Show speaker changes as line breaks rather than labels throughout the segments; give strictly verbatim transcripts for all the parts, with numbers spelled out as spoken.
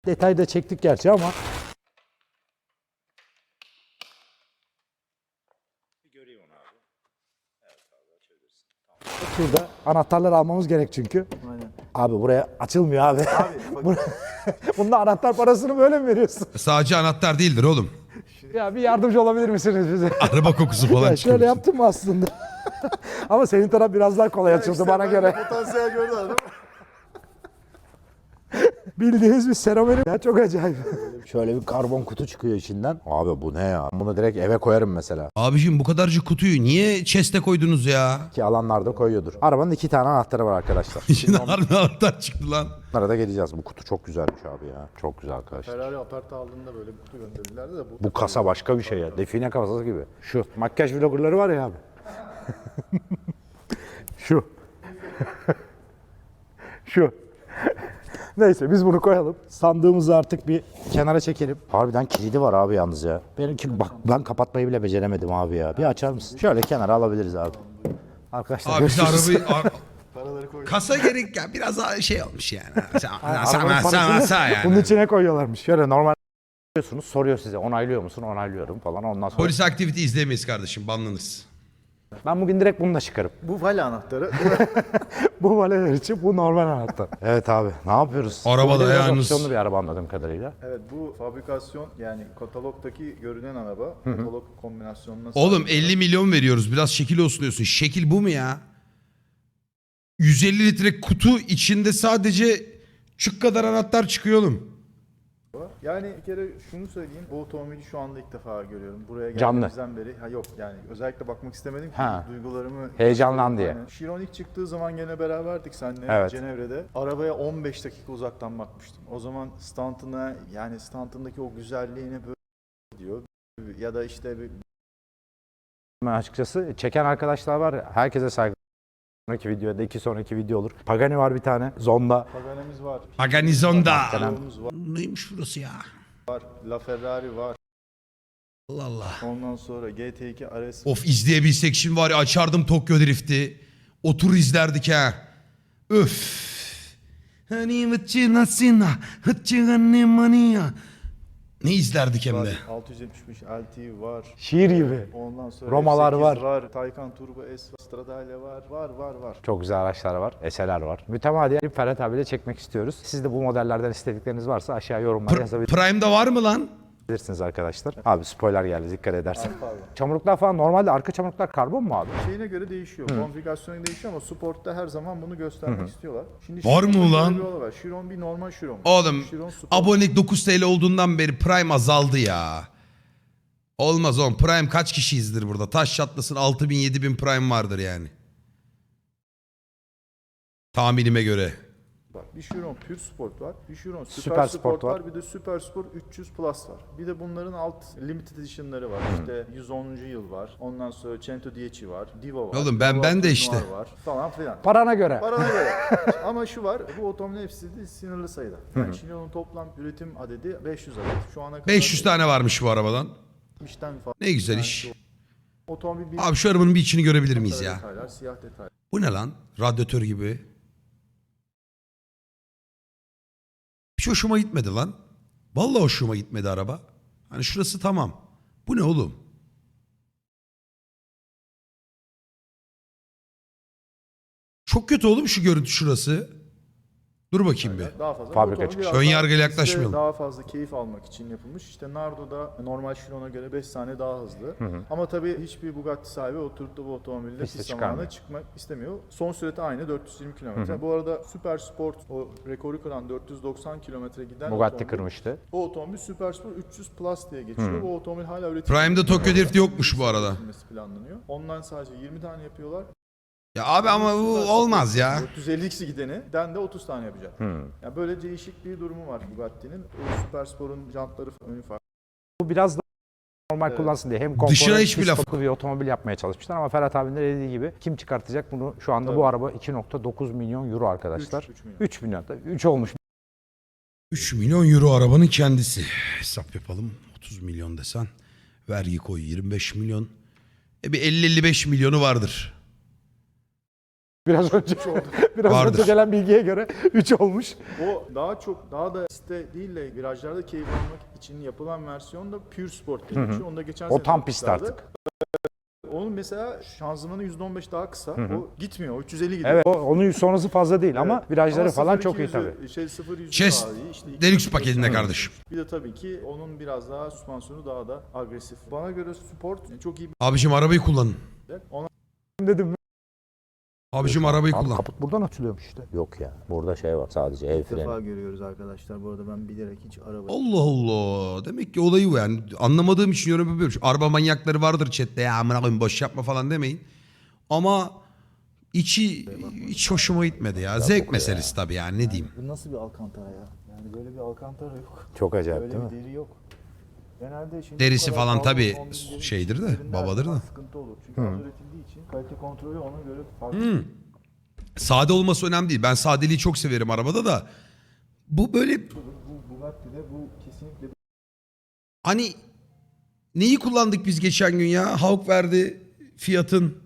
Detayda çektik gerçi ama. Şurada anahtarları almamız gerek çünkü.
Aynen.
Abi buraya açılmıyor abi.
Abi bak,
Bunda anahtar parasını böyle mi veriyorsun?
Sadece anahtar değildir oğlum.
Ya bir yardımcı olabilir misiniz bize?
Araba kokusu falan
Ya
çıkıyor.
şöyle yaptım mı aslında? Ama senin taraf biraz daha kolay açıldı
işte
bana
ben
göre.
de potansiyel gördü adam.
Bildiğiniz bir seramik. Ya çok acayip. Şöyle bir karbon kutu çıkıyor içinden. Abi bu ne ya? Bunu direkt eve koyarım mesela.
Abicim bu kadarcık kutuyu niye chest'e koydunuz ya?
Ki alanlarda koyuyordur. Arabanın iki tane anahtarı var arkadaşlar.
İçinde harbi anahtar çıktı lan.
Bunlara da geleceğiz. Bu kutu çok güzelmiş abi ya. Çok güzel arkadaşlar.
Ferrari apartı aldığında böyle bir kutu gönderdilerdi de bu.
Bu kasa başka bir şey ya. Define kasası gibi. Şu makyaj vloggerları var ya abi. Şu. Şu. Neyse biz bunu koyalım. Sandığımızı artık bir kenara çekelim. Harbiden kilidi var abi yalnız ya. Benimki bak ben kapatmayı bile beceremedim abi ya. Bir açar mısın? Şöyle kenara alabiliriz abi. Arkadaşlar
Abi biz
görüşürüz.
arabayı... ar-
Paraları koy.
Kasa gerek ya. Biraz daha şey olmuş yani. Sen,
Arabanın
sen, sen,
parasını
sen yani.
Bunun içine koyuyorlarmış. Şöyle normal diyorsunuz, soruyor size onaylıyor musun? Onaylıyorum falan. Ondan sonra
Polis aktivite izleyemeyiz kardeşim. Banlanırız.
ben bugün direkt bununla çıkarım.
Bu vali anahtarı.
Bu valeler için bu normal anahtar. Evet abi ne yapıyoruz?
Araba
Bu bir
da
biraz
yalnız-
opsiyonlu bir araba anladığım kadarıyla.
Evet, bu fabrikasyon yani katalogdaki görünen araba. Katalog kombinasyonuna
Oğlum
sahip.
elli milyon veriyoruz. Biraz şekil olsun diyorsun. Şekil bu mu ya? yüz elli litre kutu içinde sadece çük kadar anahtar çıkıyor oğlum.
Yani bir kere şunu söyleyeyim. Bu otomobili şu anda ilk defa görüyorum. Buraya
Canlı.
geldiğimizden beri. Ha yok yani özellikle bakmak istemedim ki
Ha.
duygularımı.
Heyecanlan diye.
Aynen. Chiron ilk çıktığı zaman gene beraberdik seninle
Evet.
Cenevre'de. Arabaya on beş dakika uzaktan bakmıştım. O zaman stantına yani stantındaki o güzelliğine böyle diyor. Ya da işte bir
Ben açıkçası çeken arkadaşlar var ya, herkese saygı. Sonraki videoda iki sonraki video olur. Pagani var bir tane. Zonda.
Paganemiz var.
Paganizonda.
Chiron'umuz var.
Neymiş burası ya?
La Ferrari var.
Allah Allah.
Ondan sonra G T iki R S
Of izleyebilsek şimdi var ya açardım Tokyo Drift'i. Otur izlerdik ha. Öf. Hani vıçına sina, hıçığını mania. Ne izlerdik hem de.
var. altı yüz yetmiş beş L T var.
Şiir gibi.
Ondan sonra
Romalar
F sekiz
var.
var. Taycan Turbo S var. Stradale var. Var var var.
Çok güzel araçlar var. Eseler var. Mütemadiyen Ferhat abiyle çekmek istiyoruz. Siz de bu modellerden istedikleriniz varsa aşağı yorumlara
Pr-
yazabilirsiniz.
Prime'da var mı lan?
Bilirsiniz arkadaşlar. Abi spoiler geldi dikkat edersen.
Pardon.
Çamurluklar falan normalde arka çamurluklar karbon mu abi?
Şeyine göre değişiyor. Konfigürasyona değişiyor ama Sport'ta her zaman bunu göstermek istiyorlar. Şimdi
Var mı
Chiron'da
ulan?
şöyle bir olay var. Chiron bir normal Chiron.
Oğlum
Chiron Sport.
abonelik dokuz TL olduğundan beri Prime azaldı ya. Olmaz oğlum. Prime kaç kişiyizdir burada? Taş çatlasın altı bin yedi bin Prime vardır yani. Tahminime göre.
Bak, bir Chiron Pure Sport var. Bir Chiron Super,
Süper
Sport,
Sport
var.
var.
Bir de Super Sport üç yüz Plus var. Bir de bunların alt limited edition'ları var. İşte yüz onuncu yıl var. Ondan sonra Cento Dieci var. Divo var.
Oğlum ben-
Divo
ben de
Noir
işte.
Var, falan filan.
Parana göre.
Parana göre. Ama şu var, bu otomobilin hepsi de sınırlı sayıda. Yani Chiron'un toplam üretim adedi beş yüz adet. Şu ana kadar
beş yüz tane varmış bu arabadan.
yetmişten fazla.
Ne güzel
Yani
iş.
Otomobil bir
Abi şu arabanın bir içini görebilir miyiz ya?
detaylar, siyah detaylar.
Bu ne lan? Radyatör gibi. Hiç hoşuma gitmedi lan. Vallahi hoşuma gitmedi araba. Hani şurası tamam. Bu ne oğlum? Çok kötü oğlum şu görüntü şurası. Dur bakayım bir.
Daha fazla.
Fabrika
Bu otomobil
çıkışı.
biraz
Ön
daha
yargıyla
piste
yaklaşmayalım.
Daha fazla keyif almak için yapılmış. İşte Nardo'da normal Chiron'a göre beş saniye daha hızlı. Ama tabii hiçbir Bugatti sahibi oturup da bu otomobilde
Piste
pist
çıkarmıyor.
zamanına çıkmak istemiyor. Son süreti aynı dört yüz yirmi kilometre. Bu arada Super Sport o rekoru kıran dört yüz doksan kilometre giden
Bugatti
otomobil.
kırmıştı.
O otomobil Super Sport üç yüz Plus diye geçiyor. Bu otomobil hala üretim.
Prime'de Tokyo Drift yokmuş bu arada.
üretilmesi planlanıyor. Ondan sadece yirmi tane yapıyorlar.
Ya abi ama bu olmaz ya.
dört yüz elli ikisi gideni den de otuz tane yapacak. Yani böyle değişik bir durumu var Bugatti'nin. O Super Sport'un jantları önü farklı.
Bu biraz da normal
Evet.
kullansın diye hem konfor
Dışına
hem
hiçbir
pist
laf-
stopu bir otomobil yapmaya çalışmışlar ama Ferhat abinin de dediği gibi kim çıkartacak bunu şu anda
Tabii.
bu araba iki nokta dokuz milyon euro arkadaşlar.
üç, üç milyon.
üç milyon. üç olmuş.
üç milyon euro arabanın kendisi. Hesap yapalım. otuz milyon desen. Vergi koy yirmi beş milyon. E bir elli elli beş milyonu vardır.
Biraz önce biraz
Vardır.
önce gelen bilgiye göre üç olmuş.
O daha çok daha da piste değil de virajlarda keyif almak için yapılan versiyon da Pure Sport diye geçiyor. Onu da geçen
O
sene
tam pist
yapmışlardı.
artık.
Onun mesela şanzımanı yüzde on beş daha kısa. O gitmiyor. O üç yüz elli gidiyor.
Evet, o- onun sonrası fazla değil ama
Evet.
virajları
Ama
falan
sıfır
çok
iki
iyi tabii.
yüzü, Şey sıfır yüzü
Chess
daha iyi. İşte iki
Deluxe
yüz
paketinde kardeşim.
Bir de tabii ki onun biraz daha süspansiyonu daha da agresif. Bana göre Sport çok iyi
Abicim arabayı kullanın.
bir de. Ona
Dedim.
Abicim arabayı
Abi
kullan.
kaput buradan açılıyormuş işte. Yok ya. Burada şey var sadece el
ilk defa
freni.
görüyoruz arkadaşlar. Bu arada ben bilerek hiç araba...
Allah Allah. Demek ki olayı bu yani. Anlamadığım için yorum yapıyorum. Şu araba manyakları vardır chatte. Ya amına koyayım boş yapma falan demeyin. Ama içi hiç hoşuma gitmedi ya. Zevk meselesi tabii yani ne diyeyim.
Bu nasıl bir alkantara ya? Yani böyle bir alkantara yok.
Çok acayip
Böyle
değil
bir
mi?
deri yok. Genelde şimdi
Derisi
bu kadar
falan
pahalı
tabii
otomobilleri
şeydir de,
üzerinde
babadır
her zaman
da.
Sıkıntı olur. Çünkü az üretildiği için kalite kontrolü ona göre farklı.
Hmm. Sade olması önemli değil. Ben sadeliği çok severim arabada da. Bu böyle
Bu Bugatti'de bu kesinlikle
hani neyi kullandık biz geçen gün ya? Hawk verdi Fiat'ın.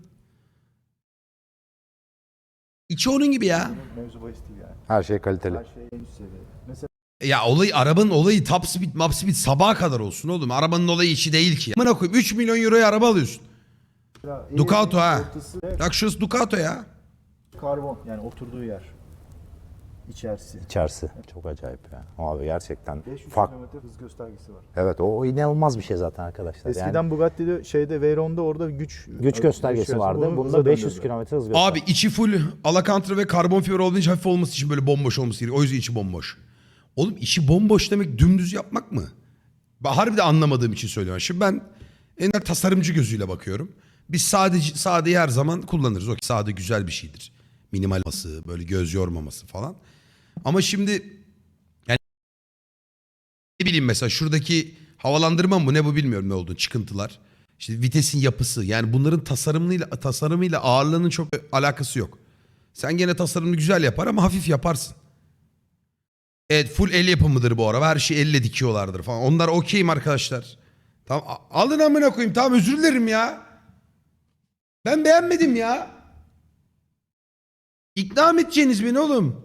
İçi onun gibi ya.
bir mevzu bahis değil yani.
Her şey kaliteli.
Her şey en üst seviye. Mesela
Ya olayı arabanın olayı top speed map speed sabaha kadar olsun oğlum. Arabanın olayı içi değil ki. Amına koyayım üç milyon euroya araba alıyorsun. Ducato ha.
ortası
Bak şurası Ducato ya.
karbon yani oturduğu yer. İçerisi.
İçerisi. Çok acayip ya. Abi gerçekten
beş yüz
farklı.
kilometre hız göstergesi var.
Evet o, o inanılmaz bir şey zaten arkadaşlar.
Eskiden
yani
Bugatti'de şeyde Veyron'da orada güç
güç göstergesi vardı.
Onu
Bunda
hıza
beş yüz
döndürdü.
kilometre hız göstergesi.
Abi içi full alakantara ve karbon fiber olduğu için hafif olması için böyle bomboş olması gerekiyor. O yüzden içi bomboş. Oğlum içi bomboş demek dümdüz yapmak mı? Ben harbiden anlamadığım için söylüyorum. Şimdi ben en tasarımcı gözüyle bakıyorum. Biz sadece sadeyi her zaman kullanırız. O sade güzel bir şeydir. Minimal olması, böyle göz yormaması falan. Ama şimdi yani ne bileyim mesela şuradaki havalandırma mı ne bu bilmiyorum ne olduğunu çıkıntılar. İşte vitesin yapısı yani bunların tasarımıyla tasarımıyla ağırlığının çok alakası yok. Sen gene tasarımını güzel yapar ama hafif yaparsın. Evet full el yapımıdır bu araba. Her şeyi elle dikiyorlardır falan. Onlar okeyim arkadaşlar. Tamam a- alın amına koyayım. Tamam özür dilerim ya. Ben beğenmedim ya. İkna mı edeceğiniz beni oğlum?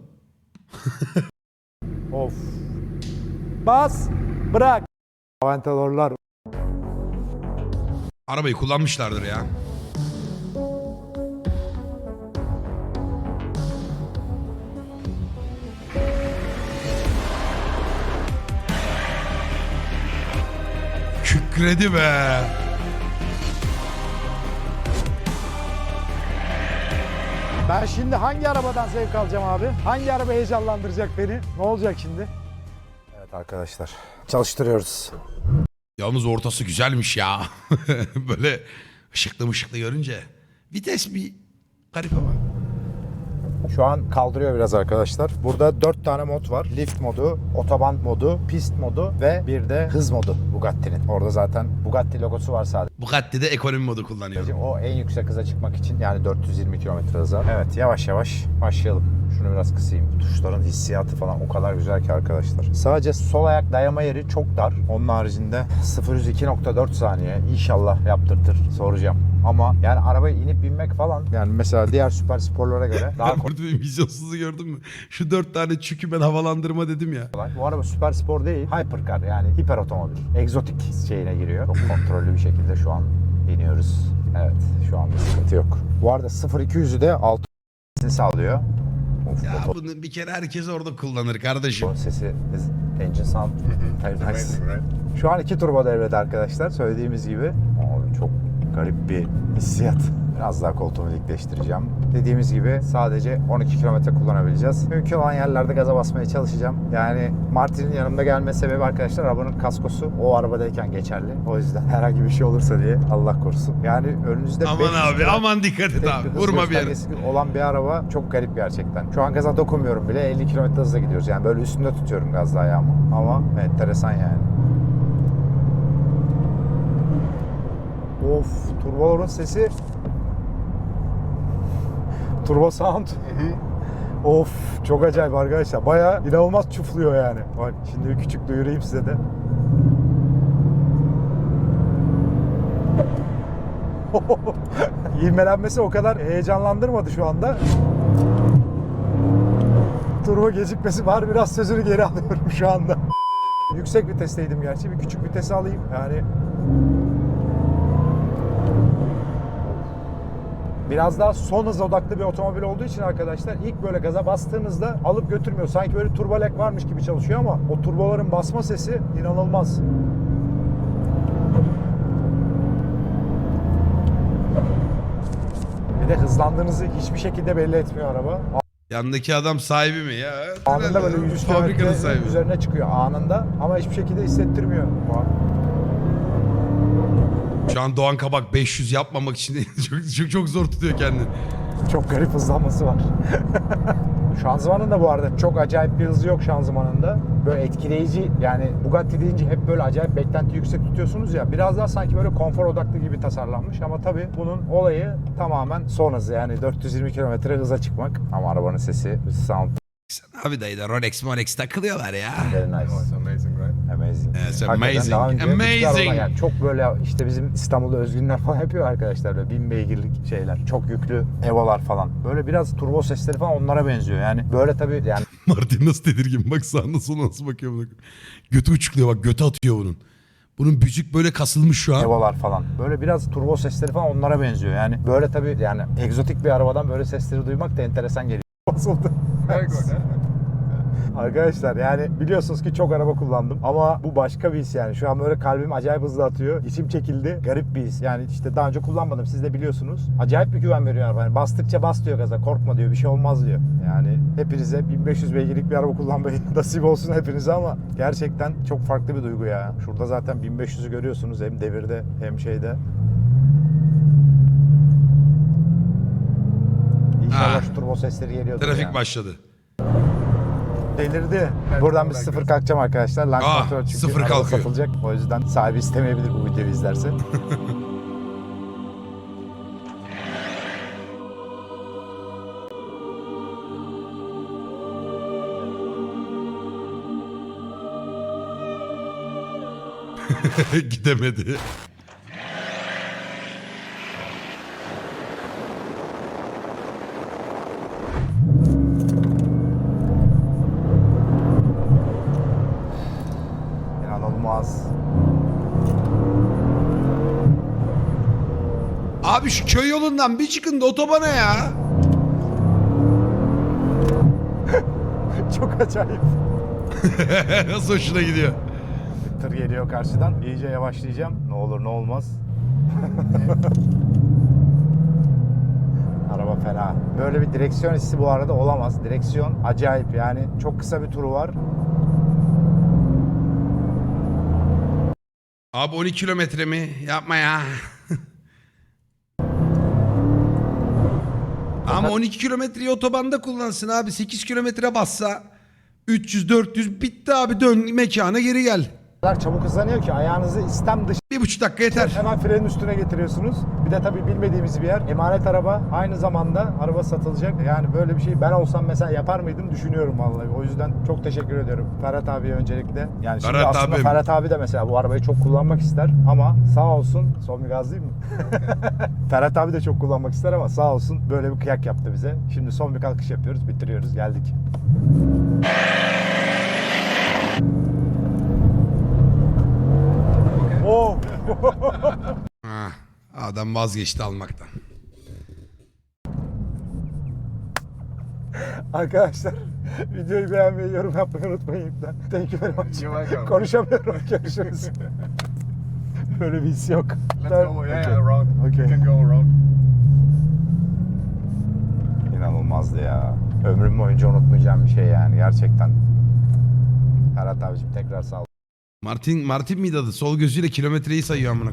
Of. Bas. Bırak. Aventadorlar.
Arabayı kullanmışlardır ya. Kükredi be.
Ben şimdi hangi arabadan zevk alacağım abi? Hangi araba heyecanlandıracak beni? Ne olacak şimdi? Evet arkadaşlar. Çalıştırıyoruz.
Yalnız ortası güzelmiş ya. Böyle ışıklı mışıklı görünce. Vites bir garip ama.
Şu an kaldırıyor biraz arkadaşlar. Burada dört tane mod var. Lift modu, otoban modu, pist modu ve bir de hız modu Bugatti'nin. Orada zaten Bugatti logosu var sadece.
Bugatti'de ekonomi modu kullanıyorum.
O en yüksek hıza çıkmak için yani dört yüz yirmi kilometre hıza. Evet yavaş yavaş başlayalım. Şunu biraz kısayım. Tuşların hissiyatı falan o kadar güzel ki arkadaşlar. Sadece sol ayak dayama yeri çok dar. Onun haricinde sıfır yüz iki nokta dört saniye inşallah yaptırtır. Soracağım. Ama yani arabaya inip binmek falan yani mesela diğer süper sporlara göre daha
Burada bir vizyonsuzu gördün mü? Şu dört tane çükü ben havalandırma dedim ya.
kolay. Bu araba süper spor değil. Hypercar yani hiper otomobil. Egzotik şeyine giriyor. Çok kontrollü bir şekilde şu an iniyoruz. Evet şu anda sıkıntı yok. Bu arada sıfır iki yüzü de altı sağlıyor. Of,
Ya
motor
bunu bir kere herkes orada kullanır kardeşim.
sesi is engine sound very nice. Şu an iki turbo devrede arkadaşlar söylediğimiz gibi. Abi çok garip bir hissiyat. Biraz daha koltuğumu dikleştireceğim. Dediğimiz gibi sadece on iki kilometre kullanabileceğiz. Mümkün olan yerlerde gaza basmaya çalışacağım. Yani Martin'in yanımda gelme sebebi arkadaşlar arabanın kaskosu o arabadayken geçerli. O yüzden herhangi bir şey olursa diye Allah korusun. Yani önünüzde
Aman
beş yüz
abi
gram
aman dikkat et
tek
abi.
bir hız
Vurma bir yere.
göstergesi olan bir araba çok garip gerçekten. Şu an gaza dokunmuyorum bile elli kilometre hızla gidiyoruz. Yani böyle üstünde tutuyorum gazda ayağımı. Ama enteresan yani. Of, turboların sesi. Turbo sound. Of, çok acayip arkadaşlar. Bayağı inanılmaz çufluyor yani. Bak şimdi bir küçük duyurayım size de. İvmelenmesi o kadar heyecanlandırmadı şu anda. Turbo gecikmesi var. Biraz sözünü geri alıyorum şu anda. Yüksek vitesteydim gerçi. Bir küçük vitesi alayım. Yani biraz daha son hız odaklı bir otomobil olduğu için arkadaşlar ilk böyle gaza bastığınızda alıp götürmüyor. Sanki böyle turbolek varmış gibi çalışıyor ama o turboların basma sesi inanılmaz. Bir de hızlandığınızı hiçbir şekilde belli etmiyor araba.
Yandaki adam sahibi mi ya?
Anında böyle yüz
Fabrikanın
kilometre
sahibi.
üzerine çıkıyor anında ama hiçbir şekilde hissettirmiyor.
Şu an Doğan Kabak beş yüz yapmamak için çok, çok, çok zor tutuyor kendini.
Çok garip hızlanması var. Şanzımanın da bu arada çok acayip bir hızı yok şanzımanında. Böyle etkileyici, yani Bugatti deyince hep böyle acayip beklenti yüksek tutuyorsunuz ya. Biraz daha sanki böyle konfor odaklı gibi tasarlanmış ama tabii bunun olayı tamamen son hızı, yani dört yüz yirmi kilometre hıza çıkmak. Ama arabanın sesi, sound
Sen abi dayı da Rolex Molex takılıyorlar ya.
very nice.
Oh, it's amazing, right?
Amazing.
Yes,
Hakikaten
amazing.
daha önce hiçbir
Amazing.
araba, yani çok böyle işte bizim İstanbul'da özgünler falan yapıyor arkadaşlar, böyle bin beygirlik şeyler, çok yüklü Evo'lar falan. Böyle biraz turbo sesleri falan onlara benziyor. Yani böyle tabii yani
Martin nasıl tedirgin, bak sağına soluna nasıl bakıyor buna. Götü uçukluyor bak, götü atıyor bunun. Bunun bücük böyle kasılmış şu an.
Evo'lar falan. Böyle biraz turbo sesleri falan onlara benziyor. Yani böyle tabii yani egzotik bir arabadan böyle sesleri duymak da enteresan geliyor. Basıldı.
Very good. eh?
Arkadaşlar yani biliyorsunuz ki çok araba kullandım ama bu başka bir his yani. Şu an böyle kalbim acayip hızlı atıyor. İçim çekildi. Garip bir his. Yani işte daha önce kullanmadım. Siz de biliyorsunuz. Acayip bir güven veriyor araba. Yani bastıkça bas diyor gaza. Korkma diyor. Bir şey olmaz diyor. Yani hepinize bin beş yüz beygirlik bir araba kullanmayı nasip olsun hepinize ama gerçekten çok farklı bir duygu ya. Şurada zaten bin beş yüzü görüyorsunuz. Hem devirde hem şeyde. İnşallah
Ha.
şu turbo sesleri geliyordur
Trafik
yani.
başladı.
Delirdi. Buradan bir sıfır kalkacağım arkadaşlar. Land
Aa,
kontrol çünkü
sıfır
araba
kalkıyor.
satılacak. O yüzden sahibi istemeyebilir bu videoyu izlerse.
Gidemedi.
İnanılmaz.
Abi şu köy yolundan bir çıkın da otobana ya.
Çok acayip.
Nasıl hoşuna gidiyor.
Bir tır geliyor karşıdan. İyice yavaşlayacağım. Ne olur ne olmaz. Araba fena. Böyle bir direksiyon hissi bu arada olamaz. Direksiyon acayip yani. Çok kısa bir turu var.
Abi on iki kilometre mi? Yapma ya. Ama on iki kilometreyi otobanda kullansın abi. sekiz kilometre bassa üç yüz dört yüz bitti abi, dön mekana geri gel.
O kadar çabuk hızlanıyor ki ayağınızı istem dışı
Bir buçuk dakika yeter.
hemen frenin üstüne getiriyorsunuz. Bir de tabii bilmediğimiz bir yer. Emanet araba. Aynı zamanda araba satılacak. Yani böyle bir şey ben olsam mesela yapar mıydım düşünüyorum vallahi. O yüzden çok teşekkür ediyorum Ferhat abiye öncelikle. Yani şimdi
Ferhat
aslında
abim.
Ferhat abi de mesela bu arabayı çok kullanmak ister ama sağ olsun. Son bir gaz değil mi? Ferhat abi de çok kullanmak ister ama sağ olsun böyle bir kıyak yaptı bize. Şimdi son bir kalkış yapıyoruz. Bitiriyoruz. Geldik. Oh!
Ha, adam vazgeçti almaktan.
Arkadaşlar videoyu beğenmeyi, yorum yapmayı unutmayın lütfen. Thank you very much.
You're welcome.
Konuşamıyorum. Görüşürüz. Böyle bir his yok.
Let's go. Yeah, yeah, around.
Okay.
You can go around.
İnanılmazdı ya. Ömrüm boyunca unutmayacağım bir şey yani gerçekten. Ferhat abicim tekrar sağ ol.
Martin Martin miydi adı? Sol gözüyle kilometreyi sayıyor amına.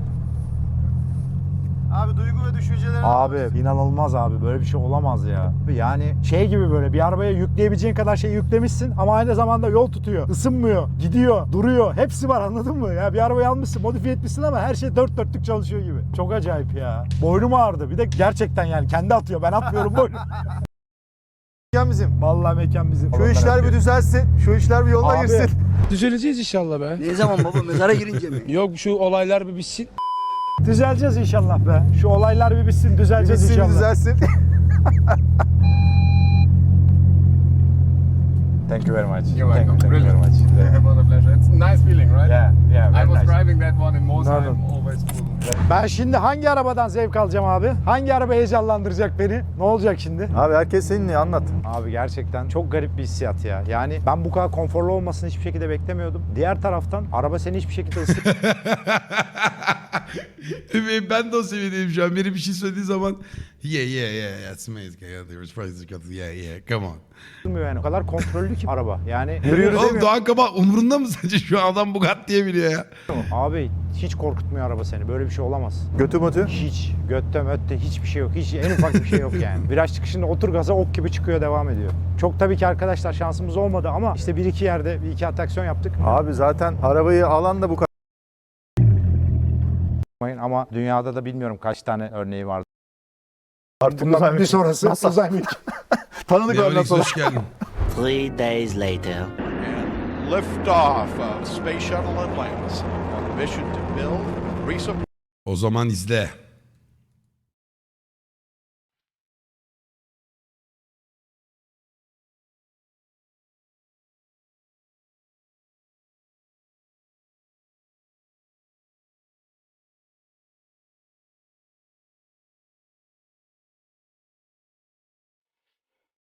Abi duygu ve düşüncelerini
Abi inanılmaz abi, böyle bir şey olamaz ya. Yani şey gibi, böyle bir arabaya yükleyebileceğin kadar şey yüklemişsin ama aynı zamanda yol tutuyor, ısınmıyor, gidiyor, duruyor. Hepsi var, anladın mı? Ya bir arabayı almışsın, modifiye etmişsin ama her şey dört dörtlük çalışıyor gibi. Çok acayip ya. Boynum ağrıdı. Bir de gerçekten yani kendi atıyor. Ben atmıyorum boynum.
mekan bizim.
Vallahi mekan bizim.
Şu işler bir düzelsin. Şu işler bir yoluna
Abi.
girsin.
Düzeleceğiz inşallah be.
Ne zaman baba, mezara girince mi?
Yok, şu olaylar bir bitsin.
Düzeleceğiz inşallah be. Şu olaylar bir bitsin, düzeleceğiz
Bitsin,
inşallah.
düzelsin. Thank you very much.
You're
Thank you,
welcome.
thank you very
Brilliant.
much.
It was a pleasure. It's a nice feeling, right?
Yeah, yeah,
I
very
was
nice.
driving that one in Mosheim,
No, no.
always full.
Ben şimdi hangi arabadan zevk alacağım abi? Hangi araba heyecanlandıracak beni? Ne olacak şimdi?
Abi herkes seninle anlat.
Abi gerçekten çok garip bir hissiyat ya. Yani ben bu kadar konforlu olmasını hiçbir şekilde beklemiyordum. Diğer taraftan araba seni hiçbir şekilde ısıtmıyor.
Ben de o seviyedeyim şu an. Biri bir şey söylediği zaman yeah yeah yeah yeah it's amazing. Yeah, the response is good. Yeah yeah come on.
Yani o kadar kontrollü ki araba. Yani
Yürüyoruz değil
Oğlum
mi?
Doğan Kabak umurunda mı sence şu an adam Bugatti diye biliyor ya?
abi hiç korkutmuyor araba seni. Böyle bir şey olamaz.
Götü mötü.
Hiç. Götte mötte hiçbir şey yok. Hiç en ufak bir şey yok yani. Viraj çıkışında otur gaza ok gibi çıkıyor devam ediyor. Çok tabii ki arkadaşlar şansımız olmadı ama işte bir iki yerde bir iki atraksiyon yaptık.
Abi zaten arabayı alan da bu kadar.
Ama dünyada da bilmiyorum kaç tane örneği var.
Artık
Bundan bir sonrası
NASA.
uzay mekiği.
Tanıdık
Leonix
ondan sonra.
hoş geldin.
Three days later.
And liftoff of Space Shuttle Atlantis on a mission to build, resupply,
O zaman izle.